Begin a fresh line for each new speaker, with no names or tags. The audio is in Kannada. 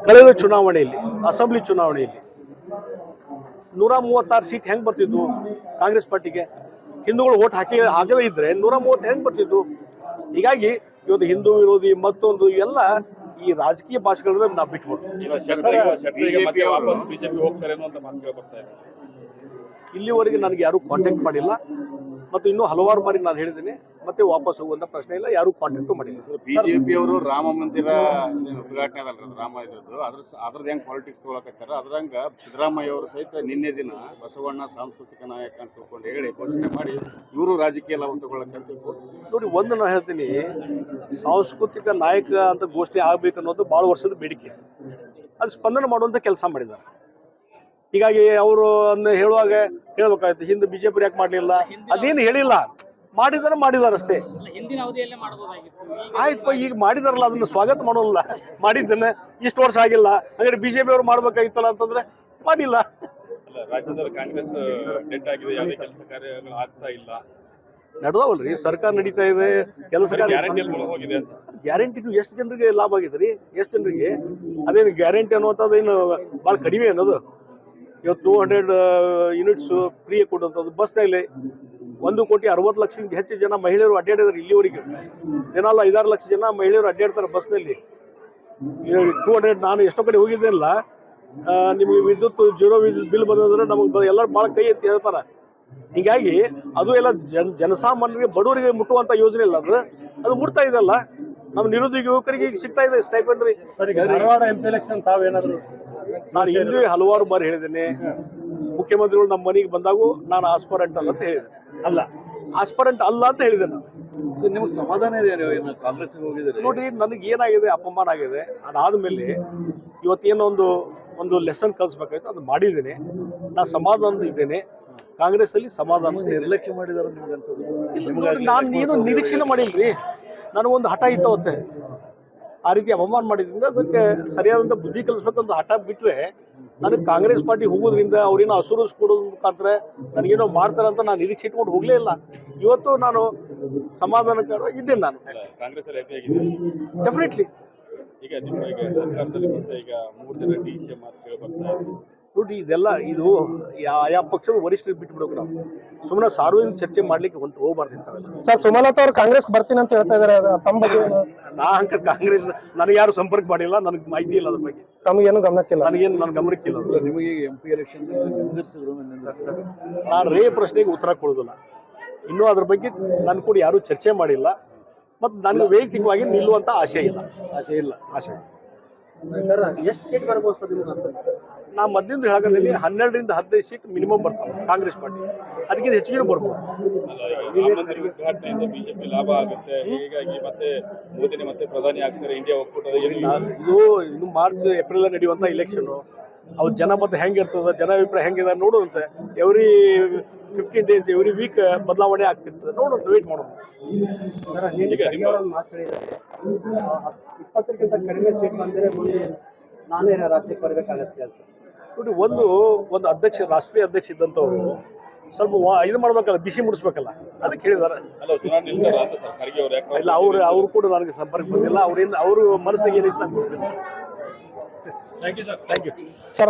ಕಳೆದ ಚುನಾವಣೆಯಲ್ಲಿ ಅಸೆಂಬ್ಲಿ ಚುನಾವಣೆಯಲ್ಲಿ 136 ಸೀಟ್ ಹೆಂಗೆ ಬರ್ತಿದ್ವು ಕಾಂಗ್ರೆಸ್ ಪಾರ್ಟಿಗೆ? ಹಿಂದೂಗಳು ಓಟ್ ಹಾಕದೇ ಇದ್ರೆ 130 ಹೆಂಗೆ ಬರ್ತಿದ್ವು? ಹೀಗಾಗಿ ಇವತ್ತು ಹಿಂದೂ ವಿರೋಧಿ ಮತ್ತೊಂದು ಎಲ್ಲ ಈ ರಾಜಕೀಯ ಭಾಷೆಗಳನ್ನ ನಾವು ಬಿಟ್ಬಿಟ್ಟು ಇಲ್ಲಿವರೆಗೆ ನನಗೆ ಯಾರು ಕಾಂಟ್ಯಾಕ್ಟ್ ಮಾಡಿಲ್ಲ ಮತ್ತು ಇನ್ನೂ ಹಲವಾರು ಬಾರಿ ನಾನು ಹೇಳಿದ್ದೀನಿ ಮತ್ತೆ ವಾಪಸ್ ಹೋಗುವಂತ ಪ್ರಶ್ನೆ ಇಲ್ಲ, ಯಾರು ಕಾಂಟ್ಯಾಕ್ಟ್ ಮಾಡಿಲ್ಲ.
ಬಿಜೆಪಿ ಅವರು ರಾಮ ಮಂದಿರ ಉದ್ಘಾಟನೆ ಅದಲ್ಲ ರಾಮ ಇದ್ರದ್ದು ಅದ್ರದ್ದು ಹೆಂಗೆ ಪಾಲಿಟಿಕ್ಸ್ ತೊಗೊಳಕತ್ತಾರ ಅದ್ರಂಗ ಸಿದ್ದರಾಮಯ್ಯ ಅವರು ಸಹಿತ ನಿನ್ನೆ ದಿನ ಬಸವಣ್ಣ ಸಾಂಸ್ಕೃತಿಕ ನಾಯಕ ಅಂತ ತಿಳ್ಕೊಂಡು ಹೇಳಿ ಘೋಷಣೆ ಮಾಡಿ ಇವರು ರಾಜಕೀಯ ಲಾಭ ತಗೊಳಕಂತ
ನೋಡಿ. ಒಂದು ನಾನು ಹೇಳ್ತೀನಿ, ಸಾಂಸ್ಕೃತಿಕ ನಾಯಕ ಅಂತ ಘೋಷಣೆ ಆಗ್ಬೇಕು ಅನ್ನೋದು ಭಾಳ ವರ್ಷದ ಬೇಡಿಕೆ, ಅದು ಸ್ಪಂದನೆ ಮಾಡುವಂತ ಕೆಲಸ ಮಾಡಿದ್ದಾರೆ. ಹೀಗಾಗಿ ಅವರು ಹೇಳುವಾಗ ಹೇಳ್ಬೇಕಾಯ್ತು ಹಿಂದೆ ಬಿಜೆಪಿ ಯಾಕೆ ಮಾಡಲಿಲ್ಲ, ಅದೇನು ಹೇಳಿಲ್ಲ, ಮಾಡಿದಾರೆ ಅಷ್ಟೇ. ಆಯ್ತು, ಈಗ ಮಾಡಿದಾರಲ್ಲ ಅದನ್ನ ಸ್ವಾಗತ ಮಾಡೋಲ್ಲ. ಮಾಡಿದ್ದನ್ನ ಇಷ್ಟು ವರ್ಷ ಆಗಿಲ್ಲ, ಹಾಗಾದ್ರೆ ಬಿಜೆಪಿ ಅವರು ಮಾಡ್ಬೇಕಾಗಿತ್ತಲ್ಲ ಅಂತಂದ್ರೆ ಮಾಡಿಲ್ಲ.
ರಾಜ್ಯದಲ್ಲಿ ಕಾಂಗ್ರೆಸ್ ಡೆಡ್ ಆಗಿದೆ, ಯಾವುದೇ ಕೆಲಸ ಕಾರ್ಯಗಳು ಆಗ್ತಾ ಇಲ್ಲ.
ನಡೆದವಲ್ರಿ, ಸರ್ಕಾರ ನಡೀತಾ ಇದೆ, ಕೆಲಸ ಗ್ಯಾರಂಟಿ ಎಷ್ಟು ಜನರಿಗೆ ಲಾಭ ಆಗಿದೆ ರೀ? ಎಷ್ಟು ಜನರಿಗೆ? ಅದೇನು ಗ್ಯಾರಂಟಿ ಅನ್ನುವಂಥದ್ದು ಏನು ಭಾಳ ಕಡಿಮೆ ಅನ್ನೋದು. ಇವತ್ತು 200 ಯೂನಿಟ್ಸ್ ಫ್ರೀ ಕೊಡುವಂಥದ್ದು. ಬಸ್ನಲ್ಲಿ 1,60,00,000 ಹೆಚ್ಚು ಜನ ಮಹಿಳೆಯರು ಅಡ್ಡಾಡಿದ್ರು ಇಲ್ಲಿವರೆಗೆ. ದಿನಾಲ 5-6 ಲಕ್ಷ ಜನ ಮಹಿಳೆಯರು ಅಡ್ಡಾಡ್ತಾರೆ ಬಸ್ನಲ್ಲಿ. 200 ನಾನು ಎಷ್ಟೋ ಕಡೆ ಹೋಗಿದ್ದೆಲ್ಲ, ನಿಮಗೆ ವಿದ್ಯುತ್ ಜೀರೋ ಬಿಲ್ ಬಂದ್ರೆ ನಮಗೆ ಎಲ್ಲರೂ ಭಾಳ ಕೈ ಎತ್ತಿ ಹೇಳ್ತಾರೆ. ಹೀಗಾಗಿ ಅದು ಎಲ್ಲ ಜನಸಾಮಾನ್ಯರಿಗೆ ಬಡವರಿಗೆ ಮುಟ್ಟುವಂಥ ಯೋಜನೆ ಇಲ್ಲ, ಅದು ಮುಟ್ತಾ ಇದೆಲ್ಲ. ನಮ್ಮ ನಿರುದ್ಯೋಗ ಯುವಕರಿಗೆ ಈಗ ಸಿಗ್ತಾ ಇದೆ ಸ್ಟೈಪೆಂಡ್ ರೀ.
ಧಾರವಾಡ MP ಎಲೆಕ್ಷನ್ ತಾವೇನಾದ್ರು?
ನಾನು ಹಿಂದೆ ಹಲವಾರು ಬಾರಿ ಹೇಳಿದ್ದೇನೆ, ಮುಖ್ಯಮಂತ್ರಿಗಳು ನಮ್ಮ ಮನೆಗೆ ಬಂದಾಗೂ ನಾನು ಆಸ್ಪರೆಂಟ್ ಅಲ್ಲ ಅಂತ ಹೇಳಿದೆ. ಆಸ್ಪರೆಂಟ್ ಅಲ್ಲ ಅಂತ ಹೇಳಿದೆ ನಾನು.
ನಿಮ್ಗೆ ಸಮಾಧಾನ ಇದೆ ಕಾಂಗ್ರೆಸ್ ಹೋಗಿದ್ರೆ?
ನೋಡ್ರಿ, ನನಗೆ ಏನಾಗಿದೆ, ಅಪಮಾನ ಆಗಿದೆ. ಅದಾದ್ಮೇಲೆ ಇವತ್ತೇನೋ ಒಂದು ಲೆಸನ್ ಕಲಿಸ್ಬೇಕಾಯ್ತು, ಅದು ಮಾಡಿದ್ದೇನೆ. ನಾನು ಸಮಾಧಾನದ ಇದ್ದೇನೆ. ಕಾಂಗ್ರೆಸ್ ಅಲ್ಲಿ ಸಮಾಧಾನ
ನಿರ್ಲಕ್ಷ್ಯ ಮಾಡಿದಾರೆ ನಿಮ್ಗೆ ಅನ್ಸೋದು?
ನಾನು ಏನು ನಿರೀಕ್ಷೆನೇ ಮಾಡಿಲ್ರಿ. ನನಗೊಂದು ಹಠ ಇತ್ತವತ್ತೆ, ಆ ರೀತಿ ಅಪಮಾನ ಮಾಡಿದ್ರಿಂದ ಅದಕ್ಕೆ ಸರಿಯಾದಂಥ ಬುದ್ಧಿ ಕಲಿಸ್ಬೇಕಂತ ಹಠ ಬಿಟ್ಟರೆ ನನಗೆ ಕಾಂಗ್ರೆಸ್ ಪಾರ್ಟಿ ಹೋಗೋದ್ರಿಂದ ಅವ್ರೇನೋ ಅಸುರಸ್ ಕೊಡೋದ್ರ ಮುಖಾಂತರ ನನಗೇನೋ ಮಾಡ್ತಾರೆ ಅಂತ ನಾನು ನಿರೀಕ್ಷೆ ಇಟ್ಕೊಂಡು ಹೋಗಲೇ ಇಲ್ಲ. ಇವತ್ತು ನಾನು ಸಮಾಧಾನಕರವಾಗಿ ಇದ್ದೇನೆ. ನಾನು ಡೆಫಿನೆಟ್ಲಿ
ಈಗ ನಿಮ್ಮ ಸರ್ಕಾರದಲ್ಲಿ ಈಗ 3 ಜನ DCM ಅಂತ ಹೇಳಿ ಬರ್ತಾ ಇದೆ.
ನೋಡಿ, ಇದೆಲ್ಲ ಇದು ಯಾವ ಪಕ್ಷದ ವರಿಷ್ಠರಿಗೆ ಬಿಟ್ಟು ಬಿಡೋಕೆ ನಾವು ಸುಮ್ಮನೆ ಸಾರ್ವಜನಿಕ ಚರ್ಚೆ ಮಾಡ್ಲಿಕ್ಕೆ ಹೋಗ್ಬಾರ್ದು ಇಂಥವೆಲ್ಲ.
ಸರ್, ಸುಮಲತಾ ಅವರು ಕಾಂಗ್ರೆಸ್ ಬರ್ತೀನಿ ಅಂತ ಹೇಳ್ತಾ ಇದಾರೆ, ತಮ್ಮ ಬಗ್ಗೆ?
ಕಾಂಗ್ರೆಸ್ ನನಗೆ ಯಾರು ಸಂಪರ್ಕ ಮಾಡಿಲ್ಲ, ನನಗೆ ಮಾಹಿತಿ ಇಲ್ಲ ಅದ್ರ ಬಗ್ಗೆ.
ತಮಗೇನು ಗಮನಕ್ಕಿಲ್ಲ?
ನನ್ನ ಗಮನಕ್ಕಿಲ್ಲ.
ನಿಮಗೆ MP ಎಲೆಕ್ಷನ್
ನಾನು ಪ್ರಶ್ನೆಗೆ ಉತ್ತರ ಕೊಡೋದಿಲ್ಲ. ಇನ್ನೂ ಅದ್ರ ಬಗ್ಗೆ ನನ್ನ ಕೂಡ ಯಾರು ಚರ್ಚೆ ಮಾಡಿಲ್ಲ ಮತ್ತು ನನಗೆ ವೈಯಕ್ತಿಕವಾಗಿ ನಿಲ್ಲುವಂತ ಆಶೆ ಇಲ್ಲ.
ಎಷ್ಟು ಸೀಟ್ ಬರ್ಬೋದು?
ನಾ ಮಧ್ಯದಿಂದ ಹೇಳಕಂತೀನಿ 12 ರಿಂದ 15 ಸೀಟ್ ಮಿನಿಮಮ್ ಬರ್ತಾವೆ ಕಾಂಗ್ರೆಸ್ ಪಾರ್ಟಿ, ಅದಕ್ಕಿಂತ ಹೆಚ್ಚಿಗೆ ಬರ್ಬೋದು.
ಉದ್ಘಾಟನೆಯಿಂದ ಬಿಜೆಪಿ ಲಾಭ ಆಗುತ್ತೆ, ಹೀಗಾಗಿ ಮತ್ತೆ ಮೋದಿನೇ ಮತ್ತೆ ಪ್ರಧಾನಿ ಆಗ್ತಾರೆ ಇಂಡಿಯಾ ಒಕ್ಕೂಟದ.
ಇದು ಇನ್ನು ಮಾರ್ಚ್ ಏಪ್ರಿಲ್ ನಡೆಯುವಂತ ಇಲೆಕ್ಷನ್, ಅವ್ರ ಜನ ಮತ್ತೆ ಹೆಂಗಿರ್ತದ, ಜನ ಅಭಿಪ್ರಾಯ ಹೆಂಗಿದೆ ನೋಡುವಂತೆ. ಎವ್ರಿ 15 days ಎವ್ರಿ ವೀಕ್ ಬದಲಾವಣೆ ಆಗ್ತಿರ್ತದೆ, ನೋಡೋಣ, ವೇಟ್ ಮಾಡೋಣ.
20ಕ್ಕಿಂತ ಕಡಿಮೆ ಸೀಟ್ ಬಂದರೆ ಮುಂದೆ ನಾನೇ ರಾಜ್ಯಕ್ಕೆ ಬರಬೇಕಾಗತ್ತೆ ಅಂತ
ನೋಡಿ. ಒಂದು ಅಧ್ಯಕ್ಷ, ರಾಷ್ಟ್ರೀಯ ಅಧ್ಯಕ್ಷ ಇದ್ದಂಥವ್ರು ಸ್ವಲ್ಪ ಇದು ಮಾಡ್ಬೇಕಲ್ಲ, ಬಿಸಿ ಮುಡಿಸ್ಬೇಕಲ್ಲ, ಅದಕ್ಕೆ ಹೇಳಿದಾರೆ. ಇಲ್ಲ, ಅವ್ರು ಕೂಡ ನನಗೆ ಸಂಪರ್ಕ ಬಂದಿಲ್ಲ. ಅವ್ರ ಮನಸ್ಸಿಗೆ ಏನಿತ್ತು ನಂಗೆ ಗೊತ್ತಿಲ್ಲ.
Thank you sir.
Thank you
sir.